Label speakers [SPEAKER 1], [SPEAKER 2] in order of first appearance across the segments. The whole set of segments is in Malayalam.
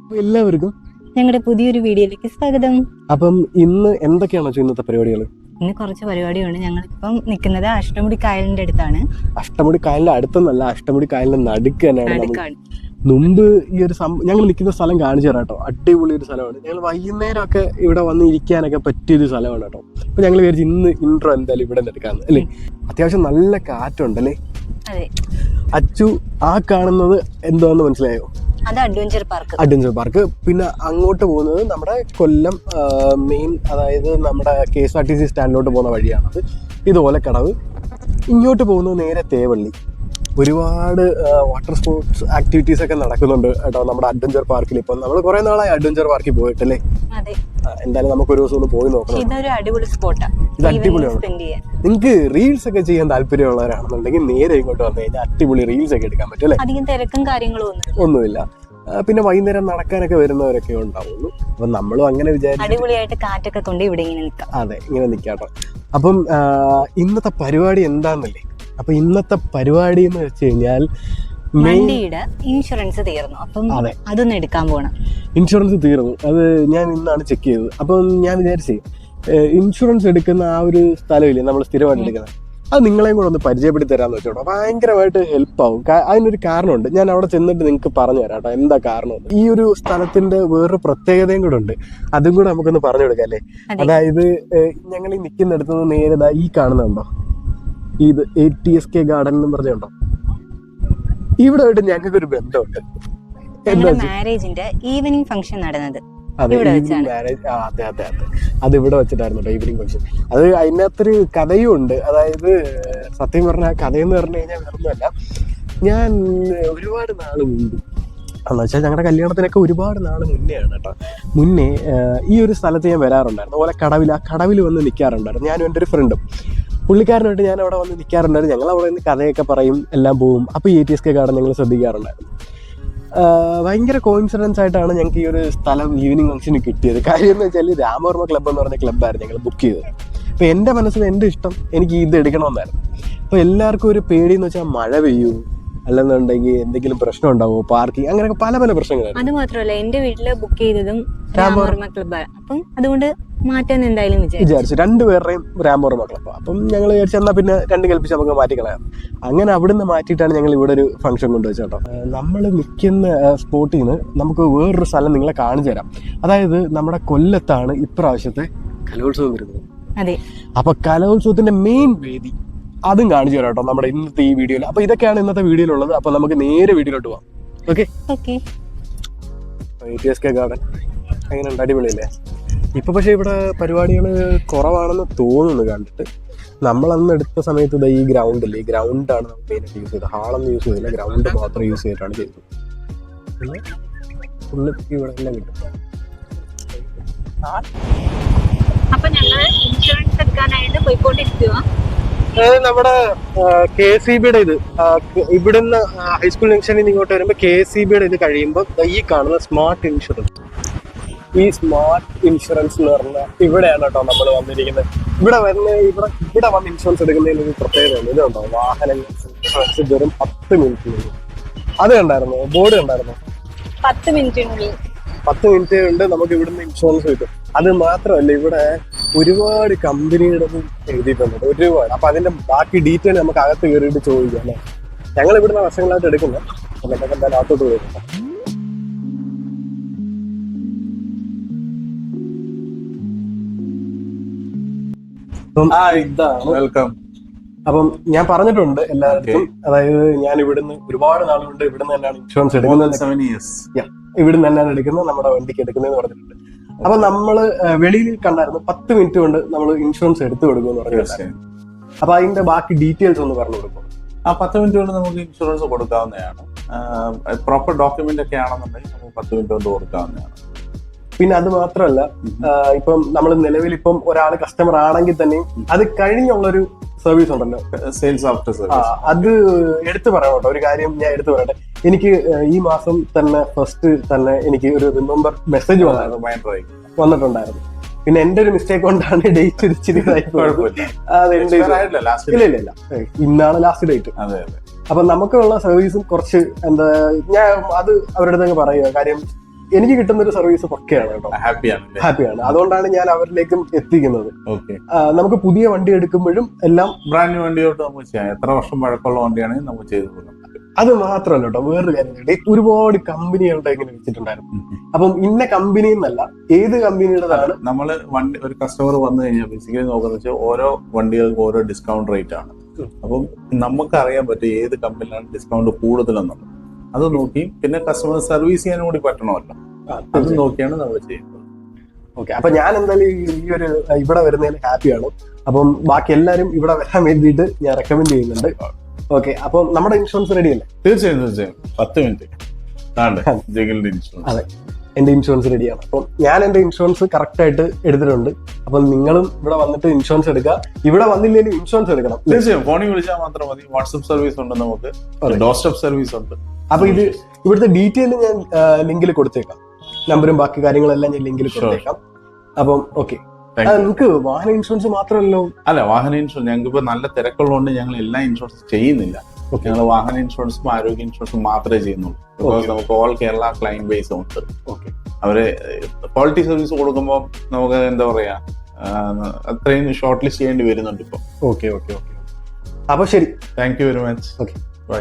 [SPEAKER 1] എല്ലാവർക്കും
[SPEAKER 2] ഞങ്ങളുടെ പുതിയൊരു വീഡിയോയിലേക്ക് സ്വാഗതം.
[SPEAKER 1] അപ്പം ഇന്ന് എന്തൊക്കെയാണോ ഇന്നത്തെ പരിപാടികൾ?
[SPEAKER 2] ഇന്ന് കുറച്ച് പരിപാടിയുണ്ട്. ഞങ്ങളിപ്പം നിൽക്കുന്നത് അഷ്ടമുടി കായലിന്റെ അടുത്താണ്.
[SPEAKER 1] അഷ്ടമുടി കായലിന്റെ അടുത്തൊന്നല്ല, അഷ്ടമുടി കായലിന്റെ നടുക്ക് തന്നെയാണ്.
[SPEAKER 2] നടുക്കാണ്.
[SPEAKER 1] മുമ്പ് ഈ ഒരു ഞങ്ങൾ നിൽക്കുന്ന സ്ഥലം കാണിച്ചു തരാം കേട്ടോ. അടിപൊളി ഒരു സ്ഥലമാണ്. ഞങ്ങൾ വൈകുന്നേരമൊക്കെ ഇവിടെ വന്ന് ഇരിക്കാനൊക്കെ പറ്റിയൊരു സ്ഥലമാണ് കേട്ടോ. അപ്പൊ ഞങ്ങൾ വിചാരിച്ചു ഇന്ന് ഇൻട്രോ എന്തായാലും ഇവിടെ എടുക്കാന്ന് അല്ലേ. അത്യാവശ്യം നല്ല കാറ്റുണ്ടല്ലേ. അച്ചു ആ കാണുന്നത് എന്താന്ന് മനസ്സിലായോ?
[SPEAKER 2] അത് അഡ്വഞ്ചർ പാർക്ക്.
[SPEAKER 1] Adventure park. പിന്നെ അങ്ങോട്ട് പോകുന്നത് നമ്മുടെ കൊല്ലം മെയിൻ, അതായത് നമ്മുടെ KSRTC സ്റ്റാൻഡിലോട്ട് പോകുന്ന വഴിയാണത്. ഇതുപോലെ കടവ്. ഇങ്ങോട്ട് പോകുന്നത് നേരെ തേവള്ളി. ഒരുപാട് വാട്ടർ സ്പോർട്സ് ആക്ടിവിറ്റീസ് ഒക്കെ നടക്കുന്നുണ്ട് കേട്ടോ നമ്മുടെ അഡ്വഞ്ചർ പാർക്കിൽ. ഇപ്പം നമ്മൾ കുറെ നാളായി അഡ്വഞ്ചർ പാർക്കിൽ പോയിട്ടല്ലേ. എന്തായാലും നമുക്ക് ഒരു ദിവസം ഒന്ന് പോയി നോക്കണം.
[SPEAKER 2] ഇതൊരു അടിപൊളി സ്പോട്ടാണ്.
[SPEAKER 1] ഇത് അടിപൊളിയാണ്. നിങ്ങൾക്ക് റീൽസ് ഒക്കെ ചെയ്യാൻ താല്പര്യമുള്ളവരാണെന്നുണ്ടെങ്കിൽ നേരെ ഇങ്ങോട്ട് വന്നു കഴിഞ്ഞാൽ അടിപൊളി റീൽസ് ഒക്കെ എടുക്കാൻ പറ്റും അല്ലേ.
[SPEAKER 2] അധികം തിരക്കും കാര്യങ്ങളും
[SPEAKER 1] ഒന്നുമില്ല. പിന്നെ വൈകുന്നേരം നടക്കാനൊക്കെ വരുന്നവരൊക്കെ ഉണ്ടാവുള്ളൂ. അപ്പൊ നമ്മളും അങ്ങനെ വിചാരിച്ചു
[SPEAKER 2] അടിപൊളിയായിട്ട് കാറ്റൊക്കെ കൊണ്ട് ഇവിടെ ഇങ്ങനെ നിൽക്കാം.
[SPEAKER 1] അതെ, ഇങ്ങനെ നിൽക്കാട്ടോ. അപ്പം ഇന്നത്തെ പരിപാടി എന്താന്നല്ലേ. അപ്പൊ ഇന്നത്തെ പരിപാടി എന്ന് വെച്ച് കഴിഞ്ഞാൽ
[SPEAKER 2] വണ്ടിയുടെ ഇൻഷുറൻസ് തീർന്നു. അപ്പം അതൊന്ന് എടുക്കാൻ പോണം.
[SPEAKER 1] ഇൻഷുറൻസ് തീർന്നു. അത് ഞാൻ ഇന്നാണ് ചെക്ക് ചെയ്തത്. അപ്പം ഞാൻ വിചാരിച്ചേ ഇൻഷുറൻസ് എടുക്കുന്ന ആ ഒരു സ്ഥലമില്ലേ നമ്മൾ സ്ഥിരമായിട്ട് എടുക്കുന്നത്, അത് നിങ്ങളെയും കൂടെ ഒന്ന് പരിചയപ്പെടുത്തി തരാന്ന് വെച്ചോട്ടോ. ഭയങ്കരമായിട്ട് ഹെൽപ്പ് ആവും. അതിനൊരു കാരണമുണ്ട്. ഞാൻ അവിടെ ചെന്നിട്ട് നിങ്ങൾക്ക് പറഞ്ഞു തരാം കേട്ടോ എന്താ കാരണം. ഈ ഒരു സ്ഥലത്തിന്റെ വേറൊരു പ്രത്യേകതയും കൂടെ ഉണ്ട്. അതും കൂടെ നമുക്കൊന്ന് പറഞ്ഞു കൊടുക്കാം അല്ലേ. അതായത് ഞങ്ങൾ ഈ നിൽക്കുന്നിടത്ത് നേരെ ഈ കാണുന്നുണ്ടോ, ഇത് ATSK ഗാർഡൻ എന്ന് പറഞ്ഞുണ്ടോ. ഇവിടെ ആയിട്ട് ഞങ്ങൾക്ക് ഒരു ബന്ധമുണ്ട്.
[SPEAKER 2] മാരേജിന്റെ ഈവനിങ് ഫംഗ്ഷൻ നടന്നത്
[SPEAKER 1] അത് ഇവിടെ വെച്ചിട്ടായിരുന്നു ഈവനിങ് ഫംഗ്ഷൻ. അത് അതിനകത്തൊരു കഥയും ഉണ്ട്. അതായത് സത്യം പറഞ്ഞ കഥയെന്ന് പറഞ്ഞു കഴിഞ്ഞാൽ വേറൊന്നുമല്ല. ഞാൻ ഒരുപാട് നാൾ മുമ്പ് എന്ന് വെച്ചാൽ ഞങ്ങളുടെ കല്യാണത്തിനൊക്കെ ഒരുപാട് നാൾ മുന്നെയാണ് കേട്ടോ. മുന്നേ ഈ ഒരു സ്ഥലത്ത് ഞാൻ വരാറുണ്ടായിരുന്നു. അതുപോലെ ആ കടവിൽ വന്ന് നിൽക്കാറുണ്ടായിരുന്നു. ഞാനും എൻ്റെ ഒരു ഫ്രണ്ടും. പുള്ളിക്കാരനായിട്ട് ഞാൻ അവിടെ വന്ന് നിൽക്കാറുണ്ടായിരുന്നു. ഞങ്ങൾ അവിടെ നിന്ന് കഥയൊക്കെ പറയും, എല്ലാം പോവും. അപ്പോൾ ഈ ATSK ഗാർഡൻ ഞങ്ങൾ ശ്രദ്ധിക്കാറുണ്ടായിരുന്നു. ഭയങ്കര കോയിൻസിഡൻസ് ആയിട്ടാണ് ഞങ്ങൾക്ക് ഈ ഒരു സ്ഥലം ഈവനിങ് ഫംഗ്ഷന് കിട്ടിയത്. കാര്യം എന്ന് വെച്ചാൽ രാമവർമ്മ ക്ലബ്ബ് എന്ന് പറഞ്ഞ ക്ലബ്ബായിരുന്നു ഞങ്ങൾ ബുക്ക് ചെയ്തത്. അപ്പോൾ എൻ്റെ മനസ്സിൽ എൻ്റെ ഇഷ്ടം എനിക്ക് ഇത് എടുക്കണമെന്നായിരുന്നു. അപ്പോൾ എല്ലാവർക്കും ഒരു പേടിയെന്ന് വെച്ചാൽ മഴ പെയ്യൂ, അല്ലെന്നുണ്ടെങ്കിൽ എന്തെങ്കിലും പ്രശ്നം ഉണ്ടാവുമോ, പാർക്കിംഗ്, അങ്ങനെയൊക്കെ പല പല പ്രശ്നങ്ങളാണ്.
[SPEAKER 2] അത് മാത്രമല്ല എന്റെ വീട്ടില് ബുക്ക് ചെയ്തതും രാമവർമ്മ ക്ലബ്ബാണ്. അപ്പം അതുകൊണ്ട് മാറ്റാൻ എന്തായാലും വിചാരിച്ചു.
[SPEAKER 1] രണ്ടുപേരുടെയും രാമവർമ്മ ക്ലബ്ബ്. അപ്പം ഞങ്ങൾ വിചാരിച്ചു എന്നാൽ പിന്നെ രണ്ട് കൽപ്പിച്ച് നമുക്ക് മാറ്റിക്കളയാം. അങ്ങനെ അവിടുന്ന് മാറ്റിയിട്ടാണ് ഞങ്ങൾ ഇവിടെ ഒരു ഫംഗ്ഷൻ കൊണ്ടുവച്ചത് കേട്ടോ. നമ്മൾ നിൽക്കുന്ന സ്പോട്ടിൽ നിന്ന് നമുക്ക് വേറൊരു സ്ഥലം നിങ്ങളെ കാണിച്ചു തരാം. അതായത് നമ്മുടെ കൊല്ലത്താണ് ഇപ്രാവശ്യത്തെ കലോത്സവം വരുന്നത്.
[SPEAKER 2] അതെ.
[SPEAKER 1] അപ്പൊ കലോത്സവത്തിന്റെ മെയിൻ വേദി അതും കാണിച്ചു തരാം കേട്ടോ നമ്മുടെ ഇന്നത്തെ ഈ വീഡിയോയിൽ. അപ്പൊ ഇതൊക്കെയാണ് ഇന്നത്തെ വീഡിയോയിലുള്ളത്. അപ്പൊ നമുക്ക് നേരെ വീഡിയോയിലോട്ട് പോവാം. ഓക്കെ. ATSK ഗാർഡൻ എങ്ങനെയുണ്ട്? അടിപൊളിയല്ലേ. ഇപ്പൊ പക്ഷെ ഇവിടെ പരിപാടികൾ കുറവാണെന്ന് തോന്നുന്നു കണ്ടിട്ട്. നമ്മളന്ന് എടുത്ത സമയത്ത് ഈ ഗ്രൗണ്ടില്ലേ, ഈ ഗ്രൗണ്ടാണ് നമ്മൾ മെയിനായിട്ട് യൂസ് ചെയ്തത്. ഹാളൊന്നും യൂസ് ചെയ്തില്ല, ഗ്രൗണ്ട് മാത്രം യൂസ് ചെയ്തിട്ടാണ് ചെയ്തത്. പിന്നെ ഫുള്ള് ഇവിടെ എല്ലാം കിട്ടും.
[SPEAKER 2] അപ്പൊ ഞങ്ങൾ ഇൻഷുറൻസ് എടുക്കാനായിട്ട് പോയിക്കൊണ്ടിരിക്കുക.
[SPEAKER 1] നമ്മുടെ KSEBയുടെ ഇത് ഇവിടുന്ന് ഹൈസ്കൂൾ ജംഗ്ഷനിൽ നിന്ന് ഇങ്ങോട്ട് വരുമ്പോൾ KSEBയുടെ ഇത് കഴിയുമ്പോൾ ഈ കാണുന്ന സ്മാർട്ട് ഇൻഷുറൻസ്, ഈ സ്മാർട്ട് ഇൻഷുറൻസ് എന്ന് പറഞ്ഞാൽ ഇവിടെയാണ് കേട്ടോ നമ്മൾ വന്നിരിക്കുന്നത്. ഇവിടെ വന്ന് ഇൻഷുറൻസ് എടുക്കുന്നതിന് ഒരു പ്രത്യേകതയുണ്ട്. ഇതുണ്ടോ, വാഹനങ്ങൾ ഇൻഷുറൻസ് വെറും 10 മിനിറ്റിനുള്ളിൽ. അത് കണ്ടായിരുന്നോ? ബോർഡ് കണ്ടായിരുന്നോ?
[SPEAKER 2] 10 മിനിറ്റിനുള്ളിൽ
[SPEAKER 1] 10 മിനിറ്റ് കൊണ്ട് നമുക്ക് ഇവിടുന്ന് ഇൻഷുറൻസ് കിട്ടും. അത് മാത്രമല്ല ഇവിടെ ഒരുപാട് കമ്പനിയുടെ എഴുതിയിട്ടുണ്ട്, ഒരുപാട്. അപ്പൊ അതിന്റെ ബാക്കി ഡീറ്റെയിൽ നമുക്ക് അകത്ത് കയറിയിട്ട് ചോദിക്കാം അല്ലേ. ഞങ്ങൾ ഇവിടുന്ന് വർഷങ്ങളായിട്ട് എടുക്കുന്നത്. നമുക്ക് എന്തായാലും അകത്തോട്ട് പോയിരുന്നു.
[SPEAKER 3] വെൽക്കം.
[SPEAKER 1] അപ്പം ഞാൻ പറഞ്ഞിട്ടുണ്ട് എല്ലാവർക്കും, അതായത് ഞാൻ ഇവിടുന്ന് ഒരുപാട് നാളുകൊണ്ട് ഇവിടുന്ന് തന്നെയാണ് ഇൻഷുറൻസ് എടുക്കുന്നത്. ഇവിടുന്ന് തന്നെയാണ് എടുക്കുന്നത്, നമ്മുടെ വണ്ടിക്ക് എടുക്കുന്നതെന്ന് പറഞ്ഞിട്ടുണ്ട്. അപ്പൊ നമ്മള് വെളിയിൽ കണ്ടായിരുന്നു 10 മിനിറ്റ് കൊണ്ട് നമ്മൾ ഇൻഷുറൻസ് എടുത്തു കൊടുക്കുമെന്ന് പറഞ്ഞിട്ടുണ്ട്. അപ്പൊ അതിന്റെ ബാക്കി ഡീറ്റെയിൽസ് ഒന്ന് പറഞ്ഞു കൊടുക്കും.
[SPEAKER 3] 10 മിനിറ്റ് കൊണ്ട് നമുക്ക് ഇൻഷുറൻസ് കൊടുക്കാവുന്നതാണ്. പ്രോപ്പർ ഡോക്യുമെന്റ് ഒക്കെ ആണെന്നുണ്ടെങ്കിൽ നമുക്ക് 10 മിനിറ്റ് കൊണ്ട് കൊടുക്കാവുന്നതാണ്.
[SPEAKER 1] പിന്നെ അത് മാത്രമല്ല, ഇപ്പം നമ്മൾ നിലവിൽ ഇപ്പം ഒരാൾ കസ്റ്റമർ ആണെങ്കിൽ തന്നെയും അത് കഴിഞ്ഞുള്ളൊരു സർവീസ് ഉണ്ടല്ലോ,
[SPEAKER 3] സെയിൽസ് ആഫ്റ്റർ സർവീസ്.
[SPEAKER 1] അത് എടുത്തു പറയണം കേട്ടോ. ഒരു കാര്യം ഞാൻ എടുത്തു പറയട്ടെ. എനിക്ക് ഈ മാസം തന്നെ ഫസ്റ്റ് തന്നെ എനിക്ക് ഒരു റിമെമ്പർ മെസ്സേജ് വന്നിട്ടുണ്ടായിരുന്നു. പിന്നെ എന്റെ ഒരു മിസ്റ്റേക്ക് കൊണ്ടാണ് ഡേറ്റ് ഇച്ചിരി ഇല്ല, ഇന്നാണ് ലാസ്റ്റ് ഡേറ്റ്. അപ്പൊ നമുക്കുള്ള സർവീസും കുറച്ച് എന്താ, ഞാൻ അത് അവരുടെ അടുത്ത് പറയുക. കാര്യം എനിക്ക് കിട്ടുന്ന ഒരു സർവീസ് പക്കയാണ് കേട്ടോ. ഹാപ്പിയാണ്. അതുകൊണ്ടാണ് ഞാൻ അവരിലേക്കും എത്തിക്കുന്നത്. നമുക്ക് പുതിയ വണ്ടി എടുക്കുമ്പോഴും എല്ലാം
[SPEAKER 3] ബ്രാൻഡ് ന്യൂ വണ്ടിയോട്ട് നമുക്ക് ചെയ്യാം. എത്ര വർഷം പഴക്കമുള്ള വണ്ടിയാണെങ്കിൽ നമുക്ക് ചെയ്തു കൊടുക്കാം.
[SPEAKER 1] അത് മാത്രമല്ല കേട്ടോ, വേറൊരു കാര്യം, ഒരുപാട് കമ്പനികളുടെ ഇങ്ങനെ വെച്ചിട്ടുണ്ടായിരുന്നു. അപ്പം ഇന്ന കമ്പനി എന്നല്ല, ഏത് കമ്പനിയുടേതാണ്.
[SPEAKER 3] നമ്മള് വണ്ടി ഒരു കസ്റ്റമർ വന്നു കഴിഞ്ഞാൽ ബേസിക്കലി നോക്കുന്ന വെച്ചാൽ ഓരോ വണ്ടികൾക്ക് ഓരോ ഡിസ്കൗണ്ട് റേറ്റ് ആണ്. അപ്പം നമുക്ക് അറിയാൻ പറ്റും ഏത് കമ്പനിയിലാണ് ഡിസ്കൗണ്ട് കൂടുതലെന്നുള്ളത്. അത് നോക്കി പിന്നെ കസ്റ്റമർ സർവീസ് ചെയ്യാനും കൂടി പറ്റണമല്ലോ, അത് നോക്കിയാണ് നമ്മൾ ചെയ്യുന്നത്.
[SPEAKER 1] ഓക്കെ, അപ്പൊ ഞാൻ എന്തായാലും ഈ ഒരു ഇവിടെ വരുന്നതിന് ഹാപ്പിയാണ്. അപ്പം ബാക്കി എല്ലാരും ഇവിടെ വരാൻ വേണ്ടിയിട്ട് ഞാൻ റെക്കമെൻഡ് ചെയ്യുന്നുണ്ട്. ഓക്കെ, അപ്പം നമ്മുടെ ഇൻഷുറൻസ് റെഡി അല്ലേ?
[SPEAKER 3] തീർച്ചയായും 10 മിനിറ്റ്.
[SPEAKER 1] അതെ, എന്റെ ഇൻഷുറൻസ് റെഡിയാണ്. അപ്പം ഞാൻ എന്റെ ഇൻഷുറൻസ് കറക്റ്റ് ആയിട്ട് എടുത്തിട്ടുണ്ട്. അപ്പം നിങ്ങളും ഇവിടെ വന്നിട്ട് ഇൻഷുറൻസ് എടുക്കുക. ഇവിടെ വന്നില്ലെങ്കിലും ഇൻഷുറൻസ് എടുക്കണം.
[SPEAKER 3] തീർച്ചയായും ഫോണിൽ വിളിച്ചാൽ മാത്രം മതി. വാട്സ്ആപ്പ് സർവീസ് ഉണ്ട്, നമുക്ക് ഡോർ സ്റ്റെപ്പ് സർവീസ് ഉണ്ട്.
[SPEAKER 1] അപ്പൊ ഇവിടുത്തെ ഡീറ്റെയിൽ ഞാൻ ലിങ്കിൽ കൊടുത്തേക്കാം. നമ്പറും ബാക്കി കാര്യങ്ങളെല്ലാം ഞാൻ ലിങ്കിൽ കൊടുത്തേക്കാം. അപ്പം ഓക്കെ, നിങ്ങൾക്ക് വാഹന ഇൻഷുറൻസ് മാത്രമല്ലോ?
[SPEAKER 3] അല്ല, വാഹന ഇൻഷുറൻസ് ഞങ്ങൾക്ക് ഇപ്പൊ നല്ല തിരക്കുള്ളതുകൊണ്ട് ഞങ്ങൾ എല്ലാ ഇൻഷുറൻസ് ചെയ്യുന്നില്ല. ഞങ്ങൾ വാഹന ഇൻഷുറൻസും ആരോഗ്യ ഇൻഷുറൻസും മാത്രമേ ചെയ്യുന്നുള്ളൂ. ബിക്കോസ് നമുക്ക് ഓൾ കേരള ക്ലൈന്റ് ബേസ് ഉണ്ട്. അവര് ക്വാളിറ്റി സർവീസ് കൊടുക്കുമ്പോൾ നമുക്ക് എന്താ പറയാ, അത്രയും ഷോർട്ട് ലിസ്റ്റ് ചെയ്യേണ്ടി വരുന്നുണ്ട് ഇപ്പൊ.
[SPEAKER 1] ഓക്കെ ഓക്കെ ഓക്കെ, അപ്പൊ ശരി,
[SPEAKER 3] thank you very much.
[SPEAKER 1] Okay,
[SPEAKER 3] bye.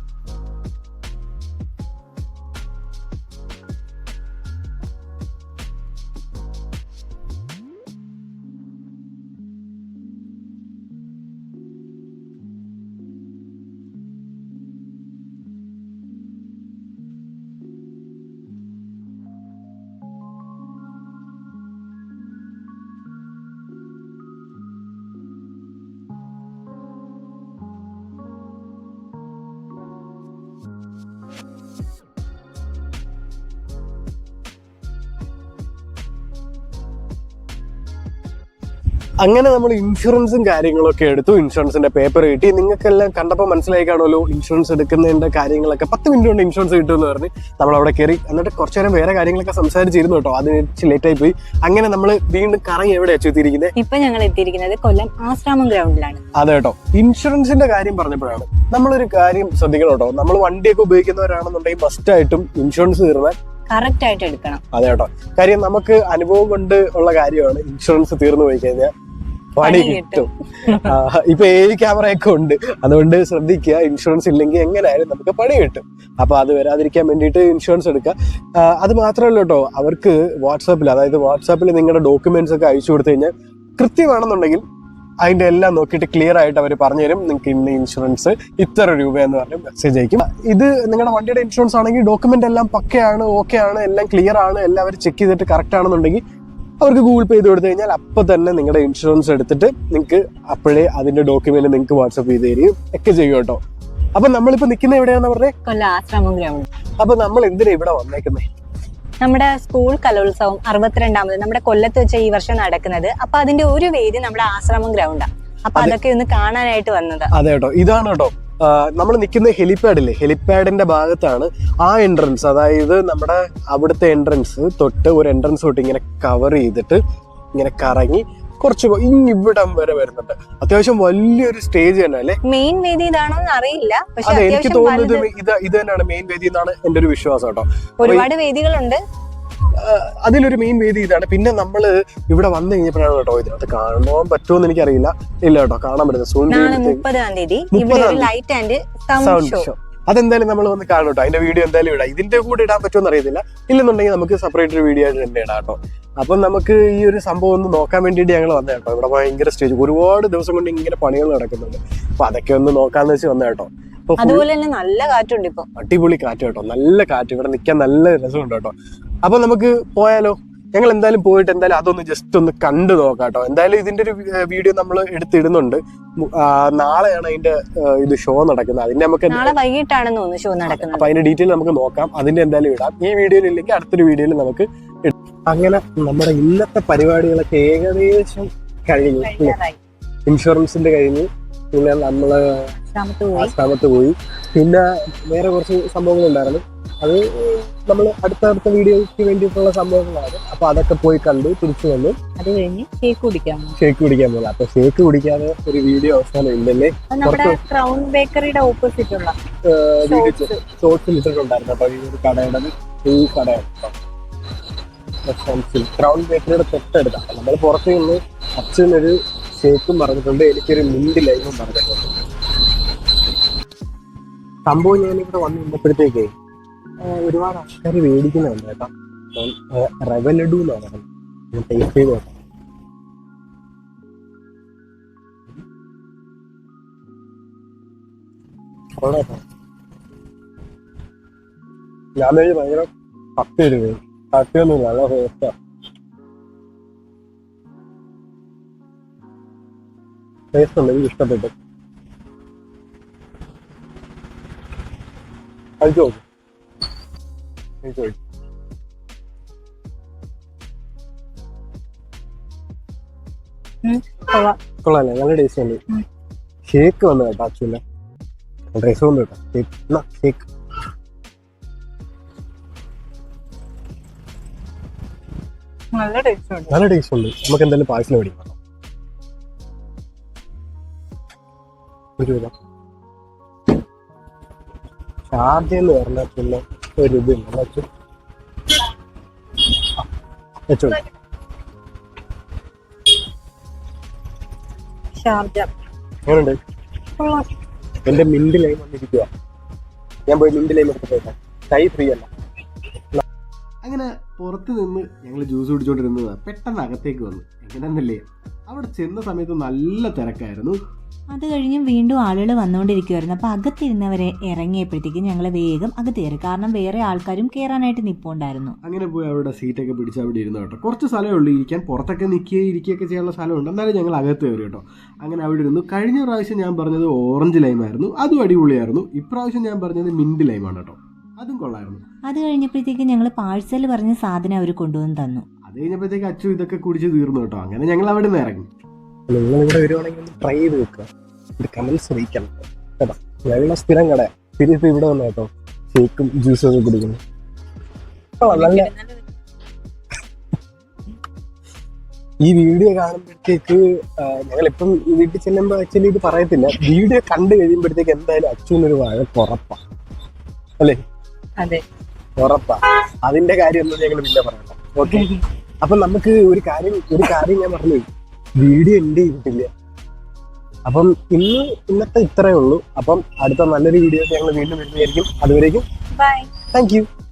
[SPEAKER 1] അങ്ങനെ നമ്മൾ ഇൻഷുറൻസും കാര്യങ്ങളൊക്കെ എടുത്തു. ഇൻഷുറൻസിന്റെ പേപ്പർ കിട്ടി. നിങ്ങൾക്കെല്ലാം കണ്ടപ്പോൾ മനസ്സിലായി കാണുമല്ലോ ഇൻഷുറൻസ് എടുക്കുന്നതിന്റെ കാര്യങ്ങളൊക്കെ. 10 മിനിറ്റ് കൊണ്ട് ഇൻഷുറൻസ് കിട്ടുമെന്ന് പറഞ്ഞ് നമ്മൾ അവിടെ കയറി. എന്നിട്ട് കുറച്ചു നേരം വേറെ കാര്യങ്ങളൊക്കെ സംസാരിച്ചിരുന്നു കേട്ടോ. അത് ലേറ്റ് ആയി പോയി. അങ്ങനെ നമ്മൾ വീണ്ടും കറങ്ങി എവിടെയാ എത്തിയിരിക്കുന്നത്?
[SPEAKER 2] ഇപ്പൊ ഞങ്ങൾ എത്തിയിരിക്കുന്നത് കൊല്ലം ആശ്രാമം ഗ്രൗണ്ടിലാണ്.
[SPEAKER 1] അതെ കേട്ടോ, ഇൻഷുറൻസിന്റെ കാര്യം പറഞ്ഞപ്പോഴാണ് നമ്മളൊരു കാര്യം ശ്രദ്ധിക്കണം കേട്ടോ. നമ്മൾ വണ്ടിയൊക്കെ ഉപയോഗിക്കുന്നവരാണെന്നുണ്ടെങ്കിൽ മസ്റ്റ് ആയിട്ടും ഇൻഷുറൻസ് തീർന്നാൽ
[SPEAKER 2] കറക്റ്റ് ആയിട്ട് എടുക്കണം.
[SPEAKER 1] അതെ കേട്ടോ, കാര്യം നമുക്ക് അനുഭവം കൊണ്ട് ഉള്ള കാര്യമാണ്. ഇൻഷുറൻസ് തീർന്നു പോയി കഴിഞ്ഞാൽ പണി കിട്ടും. ഇപ്പൊ ക്യാമറയൊക്കെ ഉണ്ട്, അതുകൊണ്ട് ശ്രദ്ധിക്കുക. ഇൻഷുറൻസ് ഇല്ലെങ്കിൽ എങ്ങനെയായാലും നമുക്ക് പണി കിട്ടും. അപ്പൊ അത് വരാതിരിക്കാൻ വേണ്ടിയിട്ട് ഇൻഷുറൻസ് എടുക്കുക. അത് മാത്രമല്ല കേട്ടോ, അവർക്ക് വാട്സാപ്പിൽ നിങ്ങളുടെ ഡോക്യുമെന്റ്സ് ഒക്കെ അയച്ചു കൊടുത്തു കഴിഞ്ഞാൽ കൃത്യമാണെന്നുണ്ടെങ്കിൽ അതിന്റെ എല്ലാം നോക്കിയിട്ട് ക്ലിയർ ആയിട്ട് അവർ പറഞ്ഞുതരും. നിങ്ങൾക്ക് ഇന്ന് ഇൻഷുറൻസ് ഇത്ര രൂപ എന്ന് പറഞ്ഞ് മെസ്സേജ് അയക്കും. ഇത് നിങ്ങളുടെ വണ്ടിയുടെ ഇൻഷുറൻസ് ആണെങ്കിൽ ഡോക്യുമെന്റ് എല്ലാം പക്കയാണ്, ഓക്കെ ആണ്, എല്ലാം ക്ലിയർ ആണ്, എല്ലാം അവർ ചെക്ക് ചെയ്തിട്ട് കറക്റ്റ് ആണെന്നുണ്ടെങ്കിൽ അവർക്ക് ഗൂഗിൾ പേ ചെയ്ത് കൊടുത്തു കഴിഞ്ഞാൽ അപ്പൊ തന്നെ നിങ്ങളുടെ ഇൻഷുറൻസ് എടുത്തിട്ട് നിങ്ങൾക്ക് അപ്പോഴേ അതിന്റെ ഡോക്യുമെന്റ് നിങ്ങൾക്ക് വാട്സ്ആപ്പ് ചെയ്ത് തരികയും ഒക്കെ ചെയ്യും കേട്ടോ. അപ്പൊ നമ്മളിപ്പോ നിൽക്കുന്ന എവിടെയാണെന്ന് പറഞ്ഞേ?
[SPEAKER 2] കൊല്ലം ആശ്രാമം ഗ്രൗണ്ട്.
[SPEAKER 1] അപ്പൊ നമ്മൾ എന്തിനാ ഇവിടെ വന്നേക്കുന്നേ?
[SPEAKER 2] നമ്മുടെ സ്കൂൾ കലോത്സവം 62ാമത് നമ്മുടെ കൊല്ലത്ത് വെച്ച ഈ വർഷം നടക്കുന്നത്. അപ്പൊ അതിന്റെ ഒരു വേദി നമ്മുടെ ആശ്രാമം ഗ്രൗണ്ടാണ്. അപ്പൊ അതൊക്കെ ഒന്ന് കാണാനായിട്ട് വന്നത്.
[SPEAKER 1] അതെ കേട്ടോ, ഇതാണ് കേട്ടോ നമ്മൾ നിൽക്കുന്ന ഹെലിപ്പാഡില്ലേ, ഹെലിപ്പാഡിന്റെ ഭാഗത്താണ് ആ എൻട്രൻസ്. അതായത് നമ്മുടെ അവിടുത്തെ എൻട്രൻസ് തൊട്ട് ഒരു എൻട്രൻസ് തൊട്ട് ഇങ്ങനെ കവർ ചെയ്തിട്ട് ഇങ്ങനെ കറങ്ങി കുറച്ച് ഇവിടം വരെ വരുന്നുണ്ട്. അത്യാവശ്യം വലിയൊരു സ്റ്റേജ് തന്നെ അല്ലേ?
[SPEAKER 2] മെയിൻ വേദി ഇതാണോ എന്ന് അറിയില്ല.
[SPEAKER 1] അതെ, എനിക്ക് തോന്നുന്നത് ഇത് തന്നെയാണ് മെയിൻ വേദി എന്നാണ് എന്റെ ഒരു വിശ്വാസം കേട്ടോ.
[SPEAKER 2] ഒരുപാട് വേദികളുണ്ട്,
[SPEAKER 1] അതിലൊരു മെയിൻ വേദി ഇതാണ്. പിന്നെ നമ്മള് ഇവിടെ വന്നു കഴിഞ്ഞപ്പോഴാണ് കേട്ടോ ഇതിനകത്ത് കാണാൻ പറ്റുമെന്ന് എനിക്കറിയില്ല. ഇല്ല കേട്ടോ, കാണാൻ പറ്റുന്നത്
[SPEAKER 2] 30-ാം തീയതി ലൈറ്റ് ആൻഡ് സൗണ്ട് ഷോ.
[SPEAKER 1] അതെന്തായാലും നമ്മൾ വന്ന് കാണും കേട്ടോ. അതിന്റെ വീഡിയോ എന്തായാലും ഇടാം. ഇതിന്റെ കൂടെ ഇടാൻ പറ്റുമെന്ന് അറിയത്തില്ല. ഇല്ലെന്നുണ്ടെങ്കിൽ നമുക്ക് സെപ്പറേറ്റ് ഒരു വീഡിയോ ആയിട്ട് തന്നെ ഇടാം കേട്ടോ. അപ്പം നമുക്ക് ഈ ഒരു സംഭവം ഒന്ന് നോക്കാൻ വേണ്ടിയിട്ട് ഞങ്ങൾ വന്ന കേട്ടോ. ഇവിടെ ഭയങ്കര സ്റ്റേജ്, ഒരുപാട് ദിവസം കൊണ്ട് ഇങ്ങനെ പണികൾ നടക്കുന്നുണ്ട്. അപ്പൊ അതൊക്കെ ഒന്ന് നോക്കാന്ന് വെച്ച് വന്ന കേട്ടോ.
[SPEAKER 2] അതുപോലെ തന്നെ നല്ല കാറ്റുണ്ട് ഇപ്പൊ,
[SPEAKER 1] അടിപൊളി കാറ്റ് കേട്ടോ, നല്ല കാറ്റ്. ഇവിടെ നിൽക്കാൻ നല്ല രസമുണ്ട് കേട്ടോ. അപ്പൊ നമുക്ക് പോയാലോ? ഞങ്ങൾ എന്തായാലും പോയിട്ട് എന്തായാലും അതൊന്ന് ജസ്റ്റ് ഒന്ന് കണ്ടു നോക്കാം കേട്ടോ. എന്തായാലും ഇതിന്റെ ഒരു വീഡിയോ നമ്മൾ എടുത്തിടുന്നുണ്ട്. നാളെയാണ് അതിന്റെ ഇത് ഷോ നടക്കുന്നത്. അതിന്റെ നമുക്ക്
[SPEAKER 2] നാളെ വൈകിട്ടാണെന്ന് തോന്നുന്നു ഷോ നടക്കുന്നത്.
[SPEAKER 1] അപ്പൊ അതിന്റെ ഡീറ്റെയിൽ നമുക്ക് നോക്കാം. അതിന്റെ എന്തായാലും ഇടാം. ഈ വീഡിയോയിൽ ഇല്ലെങ്കിൽ അടുത്തൊരു വീഡിയോയിൽ നമുക്ക് ഇടാം. അങ്ങനെ നമ്മുടെ ഇന്നത്തെ പരിപാടികളൊക്കെ ഏകദേശം കഴിഞ്ഞു. ഇൻഷുറൻസിന്റെ കഴിഞ്ഞു, പിന്നെ നമ്മള് ആശ്രാമത്ത് പോയി, പിന്നെ വേറെ കുറച്ച് സംഭവങ്ങൾ ഉണ്ടായിരുന്നു. അത് നമ്മൾ അടുത്ത വീഡിയോയ്ക്ക് വേണ്ടിയിട്ടുള്ള സംഭവങ്ങളാണ്. അപ്പൊ അതൊക്കെ പോയി കണ്ടു തിരിച്ചു വന്നു.
[SPEAKER 2] അത് കഴിഞ്ഞ് ഷേക്ക് കുടിക്കാൻ
[SPEAKER 1] പോകുന്നത്. അപ്പൊ ഷേക്ക് കുടിക്കാതെ ഒരു വീഡിയോ അവസാനം ഇല്ലല്ലേ?
[SPEAKER 2] ക്രൗൺ ബേക്കറിയുടെ ഓപ്പോസിറ്റ് ഉള്ള
[SPEAKER 1] ഷോർട്സിൽ ഇട്ടിട്ടുണ്ടായിരുന്നു കേട്ടോ. ഈ ഒരു കടയുടെ ഈ കടയാണ്. ക്രൗൺ ബേക്കറിയുടെ തൊട്ടടുത്താണ്. നമ്മൾ പുറത്ത് നിന്ന് അച്ഛനൊരു ഷേക്കും പറഞ്ഞിട്ടുണ്ട്, എനിക്കൊരു മിന്റ് ലൈമും പറഞ്ഞിട്ടുണ്ട്. സംഭവം ഞാനിവിടെ വന്ന് നിന്നപ്പോഴത്തേക്ക് ഒരുപാട് ആൾക്കാർ മേടിക്കുന്നുണ്ട് കേട്ടോ. റവ ലഡു എന്നാണ് പറഞ്ഞത്, ടേസ്റ്റ് ചെയ്ത് നോക്കാം. ഞാൻ ഭയങ്കര കട്ടിയൊരു കട്ടിയൊന്നുമില്ല, നല്ല ടേസ്റ്റാ. ടേസ്റ്റ് ഉണ്ട്, എനിക്ക് ഇഷ്ടപ്പെട്ടു. കഴിച്ചോ കഴിച്ചോ. കൊള്ളാല്ലേ, നല്ല ടേസ്റ്റ് ഉണ്ട്. ഷേക്ക് വന്നു കേട്ടോ ആക്ച്വലി, ടേസ്റ്റ് വന്നു കേട്ടോ. ഷേക്ക്
[SPEAKER 2] നല്ല ടേസ്റ്റ് ഉണ്ട്.
[SPEAKER 1] നല്ല ടേസ്റ്റ് ഉണ്ട്. നമുക്ക് എന്തായാലും പാഴ്സൽ മേടിക്കണം. ഷാർജ എന്ന് പറഞ്ഞാൽ പിന്നെ ഒരു ഇതില്ല വെച്ചോ. എങ്ങനെയുണ്ട്? എന്റെ മിന്റ് ലൈം വന്നിരിക്കുക. ഞാൻ പോയി മിന്റ് ലൈം എടുത്തിട്ട് കൈ ഫ്രീ അല്ല. അങ്ങനെ പുറത്ത് നിന്ന് ഞങ്ങൾ ജ്യൂസ് കുടിച്ചോണ്ടിരുന്നതാണ്. പെട്ടെന്ന് അകത്തേക്ക് വന്നു. എങ്ങനെയെന്നല്ലേ, അവിടെ ചെന്ന സമയത്ത് നല്ല തിരക്കായിരുന്നു.
[SPEAKER 4] അത് കഴിഞ്ഞും വീണ്ടും ആളുകൾ വന്നുകൊണ്ടിരിക്കുമായിരുന്നു. അപ്പോൾ അകത്തിരുന്നവരെ ഇറങ്ങിയപ്പോഴത്തേക്കും ഞങ്ങൾ വേഗം അകത്ത് കയറി, കാരണം വേറെ ആൾക്കാരും കയറാനായിട്ട് നിൽപ്പുണ്ടായിരുന്നു.
[SPEAKER 1] അങ്ങനെ പോയി അവിടെ സീറ്റൊക്കെ പിടിച്ച് അവിടെ ഇരുന്നു കേട്ടോ. കുറച്ച് സ്ഥലമേ ഉള്ളൂ ഇരിക്കാൻ, പുറത്തൊക്കെ ഇരിക്കുകയൊക്കെ ചെയ്യാനുള്ള സ്ഥലമുണ്ട്. എന്നാലും ഞങ്ങൾ അകത്ത് കയറി കേട്ടോ. അങ്ങനെ അവിടെ ഇരുന്നു. കഴിഞ്ഞ പ്രാവശ്യം ഞാൻ പറഞ്ഞത് ഓറഞ്ച് ലൈമായിരുന്നു, അതും അടിപൊളിയായിരുന്നു. ഇപ്രാവശ്യം ഞാൻ പറഞ്ഞത് മിന്റ് ലൈമാണ് കേട്ടോ, അതും കൊള്ളായിരുന്നു.
[SPEAKER 4] അത് കഴിഞ്ഞപ്പോഴത്തേക്കും ഞങ്ങൾ പാഴ്സൽ പറഞ്ഞ സാധനം അവർ കൊണ്ടുവന്ന് തന്നു.
[SPEAKER 1] അത് കഴിഞ്ഞപ്പോഴത്തേക്ക് അച്ചു ഇതൊക്കെ കുടിച്ച് തീർന്നു കേട്ടോ. അങ്ങനെ ഞങ്ങൾ അവിടെ നിന്ന് ഇറങ്ങി. നിങ്ങളിവിടെ വരുവാണെങ്കിൽ ട്രൈ ചെയ്ത് വെക്കുക, കമന്റ്സ് അറിയിക്കണം കേട്ടോ. ഞങ്ങളുടെ സ്ഥിരം കട തിരിച്ച് ഇവിടെ വന്നു കേട്ടോ, ഷേക്കും ജ്യൂസും ഒക്കെ കുടിക്കുന്നു. നല്ല ഈ വീഡിയോ കാണുമ്പോഴത്തേക്ക് ഞങ്ങളിപ്പം വീട്ടിൽ ചെല്ലുമ്പോൾ ആക്ച്വലി ഇത് പറയത്തില്ല, വീഡിയോ കണ്ടു കഴിയുമ്പോഴത്തേക്ക് എന്തായാലും അച്ഛനൊരു വഴക്കുറപ്പാ അല്ലേ?
[SPEAKER 2] അതെ,
[SPEAKER 1] ഉറപ്പാ. അതിന്റെ കാര്യമൊന്നും ഞങ്ങൾ പിന്നെ പറയണം. ഓക്കെ, അപ്പൊ നമുക്ക് ഒരു കാര്യം ഞാൻ പറഞ്ഞു, വീഡിയോ എൻഡ് ചെയ്തിട്ടില്ല. അപ്പം ഇന്നത്തെ ഇത്രയേ ഉള്ളൂ. അപ്പം അടുത്ത നല്ലൊരു വീഡിയോ ഞങ്ങൾ വീണ്ടും വരുന്നതായിരിക്കും. അതുവരേക്കും
[SPEAKER 2] ബൈ,
[SPEAKER 1] താങ്ക് യു.